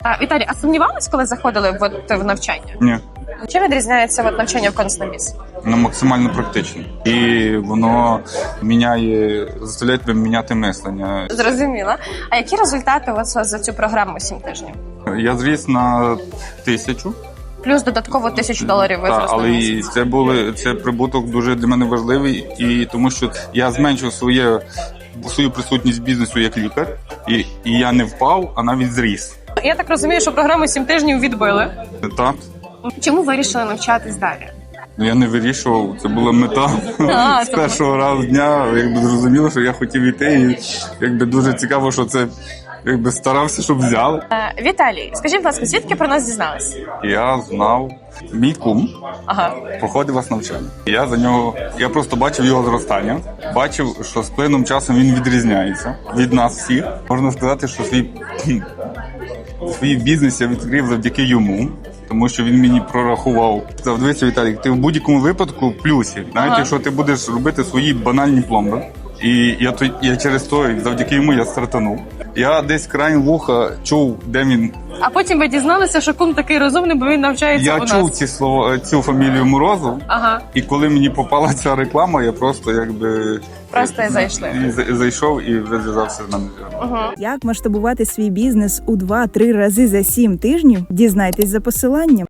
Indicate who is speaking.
Speaker 1: Віталій, а сумнівались, коли заходили в навчання?
Speaker 2: Ні,
Speaker 1: Чим відрізняється навчання в Константіс?
Speaker 2: воно максимально практично. І воно заставляє тебе міняти мислення.
Speaker 1: Зрозуміла. А які результати у вас за цю програму 7 тижнів?
Speaker 2: Я зріс на 1000.
Speaker 1: Плюс додатково $1000 ви
Speaker 2: Так,
Speaker 1: зросли
Speaker 2: але
Speaker 1: на
Speaker 2: і
Speaker 1: місяць.
Speaker 2: це прибуток дуже для мене важливий, і тому що я зменшив свою присутність в бізнесу як лікар, і я не впав, а навіть зріс.
Speaker 1: Я так розумію, що програму 7 тижнів відбили.
Speaker 2: Так.
Speaker 1: Чому вирішили навчатись далі?
Speaker 2: Я не вирішував, це була мета. З першого разу дня зрозуміло, що я хотів іти, і дуже цікаво, що це старався, щоб взяли.
Speaker 1: Віталій, скажіть, будь ласка, звідки про нас дізнались?
Speaker 2: Я знав, мій кум проходив вас навчання. Я просто бачив його зростання, бачив, що з плином часом він відрізняється від нас всіх. Можна сказати, що свій бізнес я відкрив завдяки йому. Тому що він мені прорахував. Сказав, дивися, Віталій, ти в будь-якому випадку в плюсі. Навіть якщо ти будеш робити свої банальні пломби. І я через то, завдяки йому я стартанув. Я десь краєм вуха чув, де він.
Speaker 1: А потім ви дізналися, що кум такий розумний, бо він навчається у нас.
Speaker 2: Я чув цю фамілію Морозов. І коли мені попала ця реклама, я просто зайшов і вже зв'язався з нами.
Speaker 3: Як масштабувати свій бізнес у 2-3 рази за 7 тижнів? Дізнайтесь за посиланням.